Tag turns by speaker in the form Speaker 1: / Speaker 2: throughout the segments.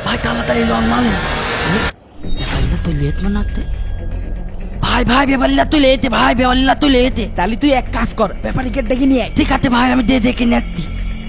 Speaker 1: ভাই তাড়াতাড়ি লন মালেন। তুই লেট মানাতে ভাই ভাই বেবাল্লা তুই লেতে ভাই বেবাল্লা তুই লেতে।
Speaker 2: তাহলে তুই এক কাজ কর, ব্যাপারীকে ডেকে নিয়ে আয়।
Speaker 1: ঠিক আছে ভাই আমি দেখে নেচ্ছি।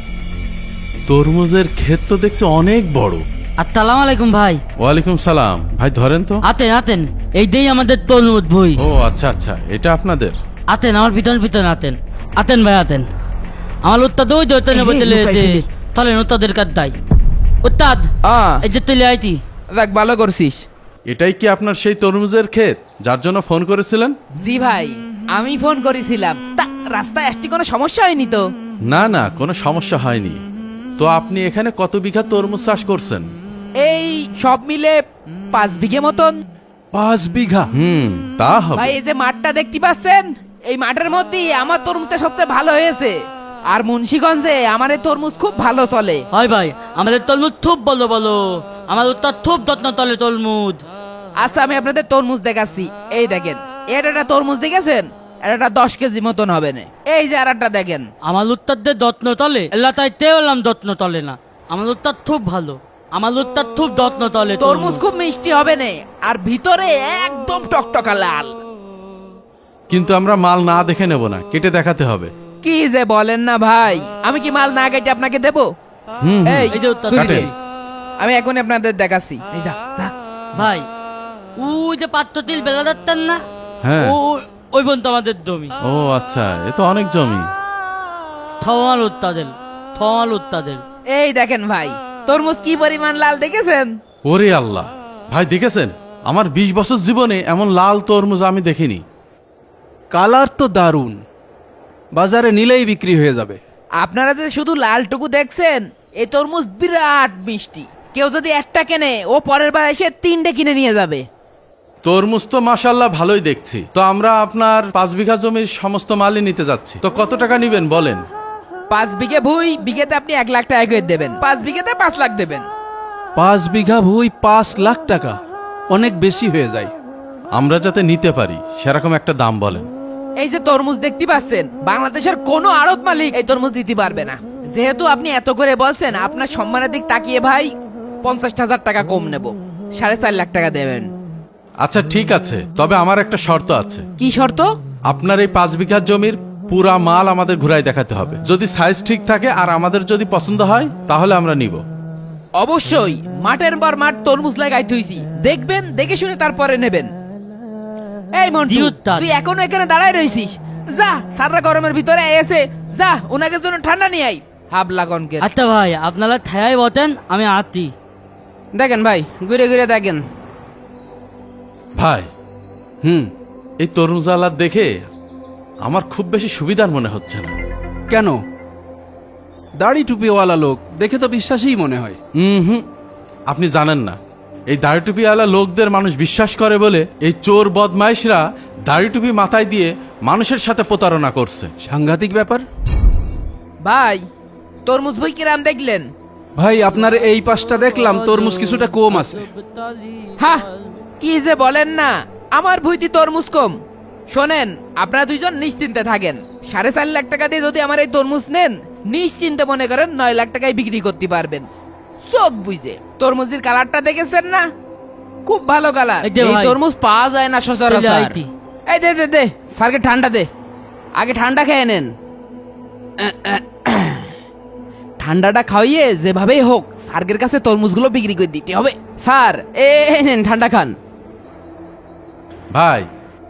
Speaker 3: তরমুজের ক্ষেত তো দেখছি অনেক বড়।
Speaker 1: আসসালামু আলাইকুম ভাই।
Speaker 3: ওয়ালাইকুম সালাম। ভাই ধরেন তো।
Speaker 1: আতেন আতেন এই দেই আমাদের তরমুজ ভুই।
Speaker 3: ও আচ্ছা আচ্ছা, এটা আপনাদের?
Speaker 1: আতেন আমার পিছন পিছন আতেন আতেন ভাই আতেন। আমার উত্তাদ ওই দৈতনে
Speaker 2: এই রে,
Speaker 1: বদলে
Speaker 2: লুকাই ফেলি।
Speaker 1: চলেন উত্তাদের কাজ দাই। উত্তাদ এই যে তুলে আইতি।
Speaker 2: দেখ ভালো করছিস।
Speaker 3: এটাই কি আপনার সেই তরমুজের ক্ষেত যার জন্য ফোন করেছিলেন?
Speaker 2: জি ভাই, আমি ফোন করেছিলাম। তা রাস্তায় আসতে কোনো সমস্যা হয়নি তো?
Speaker 3: না না, কোনো সমস্যা হয়নি। তো আপনি এখানে কত বিঘা তরমুজ চাষ করছেন?
Speaker 2: এই সব মিলে 5 বিঘে মতন।
Speaker 3: 5 বিঘা? তা হবে।
Speaker 2: ভাই এই যে মাঠটা দেখতে পাচ্ছেন, এই মাঠের মধ্যেই আমার তরমুজটা সবচেয়ে ভালো হয়েছে। আর মুন্সিগঞ্জে আমার এই তরমুজ খুব ভালো চলে।
Speaker 1: হয় ভাই আমাদের তরমুজ খুব বলো বলো, আমার উত্তাদ খুব যত্ন তলে তরমুজ।
Speaker 2: আচ্ছা আমি আপনাদের তরমুজ দেখাচ্ছি। এই দেখেন, এর একটা তরমুজ দেখেছেন, এটা 10 কেজি মতন হবে না। এই যে আর একটা দেখেন।
Speaker 1: আমার উত্তাদের যত্ন তলে এল্লা তাই তেলাম যত্ন তলে না। আমার উত্তাদ খুব ভালো, আমার উত্তাদ খুব যত্ন তলে
Speaker 2: তরমুজ খুব মিষ্টি হবে না, আর ভিতরে একদম টকটকা লাল।
Speaker 3: কিন্তু আমরা মাল না দেখে নেব না, কেটে দেখাতে হবে।
Speaker 2: কি যে বলেন না ভাই, আমি কি মাল না কেটে আপনাকে দেবো? এই
Speaker 1: এই যে উত্তাদ
Speaker 2: ছুরি দে।
Speaker 3: কাটেন।
Speaker 2: আমি এখন আপনাদের দেখাচ্ছি। এই যা যা।
Speaker 1: ভাই ওই যে পাত্র তিল বেলা যাচ্ছেন না,
Speaker 3: হ্যাঁ।
Speaker 1: ওই পর্যন্ত আমাদের জমি।
Speaker 3: ও আচ্ছা, এ তো অনেক জমি।
Speaker 1: থমাল উত্তাদের থমাল উত্তাদের।
Speaker 2: এই দেখেন ভাই, তরমুজ কি পরিমাণ লাল দেখেছেন?
Speaker 3: ওরে আল্লাহ, ভাই দেখেছেন? আমার 20 বছর জীবনে এমন লাল তরমুজ আমি দেখিনি।
Speaker 4: কালার তো দারুণ, বাজারে নিলেই বিক্রি হয়ে যাবে।
Speaker 2: আপনারা যে শুধু লালটুকু দেখছেন, এই তরমুজ বিরাট মিষ্টি। কেউ যদি একটা কেনে, ও পরের বার এসে 3টে কিনে নিয়ে যাবে।
Speaker 3: তরমুজ তো মাশাল্লাহ ভালোই দেখছি। তো আমরা আপনার 5 বিঘা জমির সমস্ত মালই নিতে যাচ্ছি। তো কত টাকা নিবেন বলেন?
Speaker 2: 5 বিঘে ভুই, বিঘেতে আপনি 1 লাখ টাকা করে দেবেন। 5 বিঘেতে 5 লাখ দেবেন।
Speaker 4: 5 বিঘা ভুই 5 লাখ টাকা, অনেক বেশি হয়ে যায়।
Speaker 3: আমরা যাতে নিতে পারি সেরকম একটা দাম বলেন।
Speaker 2: এই যে তরমুজ দেখতে পাচ্ছেন, বাংলাদেশের কোনো আড়ত মালিক এই তরমুজ দিতে পারবে না। যেহেতু আপনি এত করে বলছেন, আপনার সম্মানের দিক তাকিয়ে ভাই 50,000 টাকা কম নেব। 4.5 লাখ টাকা দেবেন।
Speaker 3: আচ্ছা ঠিক আছে, তবে আমার একটা শর্ত আছে।
Speaker 2: কি শর্ত?
Speaker 3: আপনার এই 5 বিঘা জমির পুরা মাল আমাদের ঘুরাই দেখাতে হবে। যদি সাইজ ঠিক থাকে আর আমাদের যদি পছন্দ হয় তাহলে আমরা নিব।
Speaker 2: অবশ্যই, মাঠের পর মাঠ তরমুজ লাগাই তুইছি, দেখবেন, দেখে শুনে তারপরে নেবেন। এই মন্টু,
Speaker 1: দিউত্তাদ।
Speaker 2: তুই এখনো এখানে দাঁড়ায় রইছিস? যা, সারা গরমের ভিতরে এসে যা, ওনাকে জন্য ঠান্ডা নিয়ে আই। হাবলা গনকে
Speaker 1: আচ্ছা ভাই আপনারা থায়াই বতেন, আমি আছি।
Speaker 2: দেখেন ভাই, ঘুরে ঘুরে দেখেন।
Speaker 3: ভাই
Speaker 4: হুম,
Speaker 3: এই তরমুজ আলাদ দেখে আমার খুব বেশি সুবিধার মনে হচ্ছে না।
Speaker 4: কেন? দাড়ি টুপিওয়ালা লোক, দেখে তো বিশ্বাসই মনে হয়।
Speaker 3: হুম, আপনি জানেন না, এই দাড়ি টুপিওয়ালা লোকদের মানুষ বিশ্বাস করে বলে এই চোর বদমাইশরা দাড়ি টুপি মাথায় দিয়ে মানুষের সাথে প্রতারণা করছে।
Speaker 4: সাংঘাতিক ব্যাপার।
Speaker 2: ভাই তরমুজ বই কিরাম দেখলেন?
Speaker 4: ভাই আপনার এই পাশটা দেখলাম তরমুজ কিছুটা কম আছে।
Speaker 2: হা, কি যে বলেন না, আমার ভুইতি তরমুজ কম। শোনেন, আপনারা দুইজন নিশ্চিন্তে থাকেন। 4.5 লাখ টাকা দিয়ে যদি আমার এই তরমুজ নেন, নিশ্চিন্তে মনে করেন 9 লাখ টাকায় বিক্রি করতে পারবেন। চোখ বুঝে। তরমুজের কালারটা দেখেছেন না? খুব ভালো কালার।
Speaker 1: এই যে
Speaker 2: এই
Speaker 1: ভাই,
Speaker 2: তরমুজ পাওয়া যায় না সচরাচর।
Speaker 1: চলে আইতি।
Speaker 2: এই দে দে দে, স্যারকে ঠান্ডা দে। আগে ঠান্ডা খেয়ে নেন। ঠান্ডাটা খাওয়িয়ে যেভাবেই হোক স্যারের কাছে তরমুজগুলো বিক্রি করে দিতে হবে। স্যার এই নেন ঠান্ডা খান।
Speaker 3: ভাই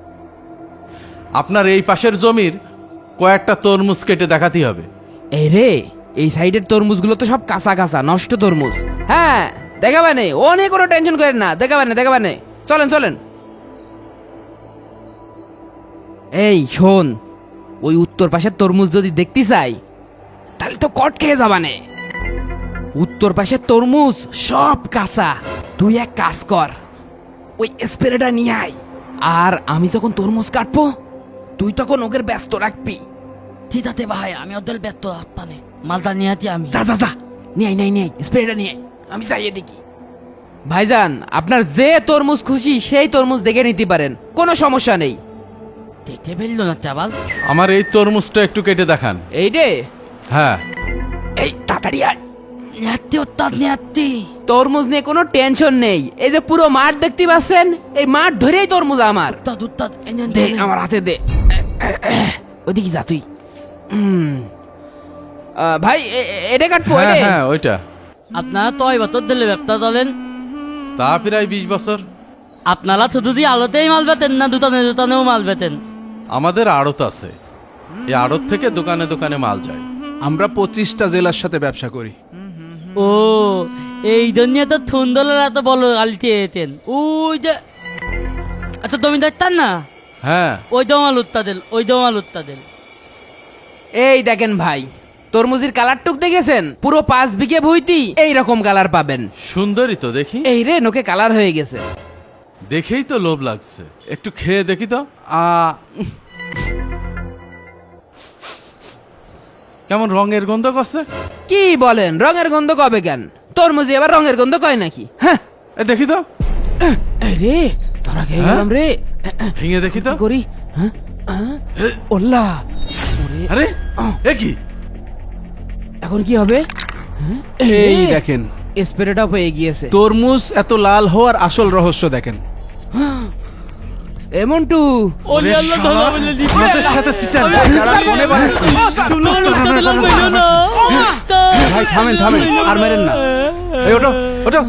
Speaker 3: আপনার এই পাশের জমির কয়েকটা তরমুজ কেটে দেখাতেই হবে।
Speaker 2: এই রে, এই সাইডের তরমুজগুলো তো সব কাঁচা কাঁচা নষ্ট তরমুজ। হ্যাঁ দেখাবানে, অনেক কোনো টেনশন করেন না, দেখাবানে। চলেন চলেন। এই শোন, ওই উত্তর পাশের তরমুজ যদি দেখতে চাই, তাহলে তো কট খেয়ে যাবানে। উত্তর পাশের তরমুজ সব কাঁচা। তুই এক কাজ কর, ওই স্প্রেটা নিয়ে আয়। আর আমি যখন তরমুজ কাটবো, তুই তখন ওকে ব্যস্ত রাখবি।
Speaker 1: ঠিক আছে ভাই, আমি ওদের ব্যর্থ পানে মালটা নিয়ে আছি আমি।
Speaker 2: যা যা যা, নিয়ে স্প্রেটা নিয়ে আমি চাইয়ে দেখি। ভাইজান, আপনার যে তরমুজ খুশি সেই তরমুজ দেখে নিতে পারেন, কোনো সমস্যা নেই।
Speaker 1: দেখতে ফেললো না চাবাল।
Speaker 3: আমার এই তরমুজটা একটু কেটে দেখান।
Speaker 2: এই রে,
Speaker 3: হ্যাঁ,
Speaker 2: এই তাড়াতাড়ি আয়।
Speaker 1: নেয়াত্তি ওস্তাদ নেয়াত্তি।
Speaker 2: তরমুজ নিয়ে কোনো টেনশন নেই। এই যে পুরো মাঠ দেখতে পাচ্ছেন, এই মাঠ ধরেই তরমুজ আমার।
Speaker 1: উস্তাদ উস্তাদ এই নেন,
Speaker 2: দে
Speaker 1: নেন।
Speaker 2: আমার হাতে দে। ওদিকে যা তুই। ভাই এটা কাটবো
Speaker 3: হ্যাঁ
Speaker 2: এটা?
Speaker 3: হ্যাঁ ওইটা।
Speaker 1: আপনারা তো ওই বছর দিলে ব্যবসা চলেন,
Speaker 3: তা প্রায় 20 বছর।
Speaker 1: আপনারা শুধু দিয়ে আলোতেই মাল বেতেন না দোকানে দোকানেও মাল বেতেন?
Speaker 3: আমাদের আড়ত আছে, এই আড়ত থেকে দোকানে দোকানে মাল যায়।
Speaker 4: আমরা 25টা জেলার সাথে ব্যবসা করি।
Speaker 1: ও এই জন্য তো সুন্দরের এত বড় গালি চেয়েছেন। ওই যে এত তুমি দেখতেন না,
Speaker 3: হ্যাঁ
Speaker 1: ওই দমাল উত্তাদেল, ওই দমাল উত্তাদেল।
Speaker 2: এই দেখেন ভাই, তরমুজের কালার টুক দেখেছেন? পুরো 5 বিঘে ভুইতি এইরকম কালার পাবেন।
Speaker 3: সুন্দরী তো দেখি,
Speaker 2: এই রে নোকে কালার হয়ে গেছে।
Speaker 3: দেখেই তো লোভ লাগছে, একটু খেয়ে দেখি তো। কেমন রঙের গন্ধ করছে?
Speaker 2: কি বলেন, রঙের গন্ধ কবে কেন? তরমুজে এবার রঙের গন্ধ কয় নাকি? হ্যাঁ
Speaker 3: এ দেখি তো,
Speaker 2: এই রে ধরা খেয়ে
Speaker 3: হ্যাঁ?
Speaker 2: গেলাম রে।
Speaker 3: ভেঙে দেখি তো।
Speaker 2: কি করি? হ্যাঁ ওল্লা,
Speaker 3: আরে এ কি?
Speaker 2: এখন কি হবে?
Speaker 4: এই দেখেন,
Speaker 2: স্প্রেটা হয়ে গিয়েছে।
Speaker 4: তরমুজ এত লাল হওয়ার আসল রহস্য দেখেন।
Speaker 2: এমনটু
Speaker 1: ওলি আল্লাহ ধলা বলে দিবে।
Speaker 3: লোকের সাথে সিটার।
Speaker 4: ভাই থামেন থামেন, আর মেরেন না। এই ওটো ওটো।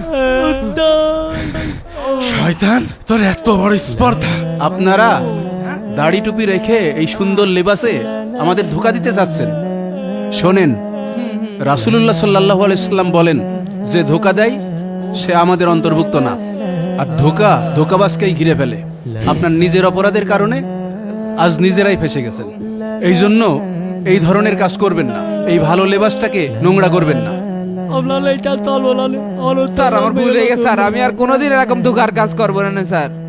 Speaker 3: শয়তান, তোর এত বড় স্পর্ধা!
Speaker 4: আপনারা দাড়ি টুপি রেখে এই সুন্দর লেবাসে আমাদের ধোকা দিতে চাচ্ছেন। শোনেন, রাসূলুল্লাহ সাল্লাল্লাহু আলাইহি সাল্লাম বলেন, যে ধোকা দেয় সে আমাদের অন্তর্ভুক্ত না। আর ধোকাবাজকেই ঘিরে ফেলে। আপনার নিজের অপরাধের কারণে আজ নিজেরাই ফেসে গেছেন। এই জন্য এই ধরনের কাজ করবেন না, এই ভালো লেবাসটাকে নোংরা করবেন না।
Speaker 2: স্যার আমার ভুল হয়ে গেছে স্যার, আমি আর কোনোদিন এরকম ধোকার কাজ করবো না স্যার।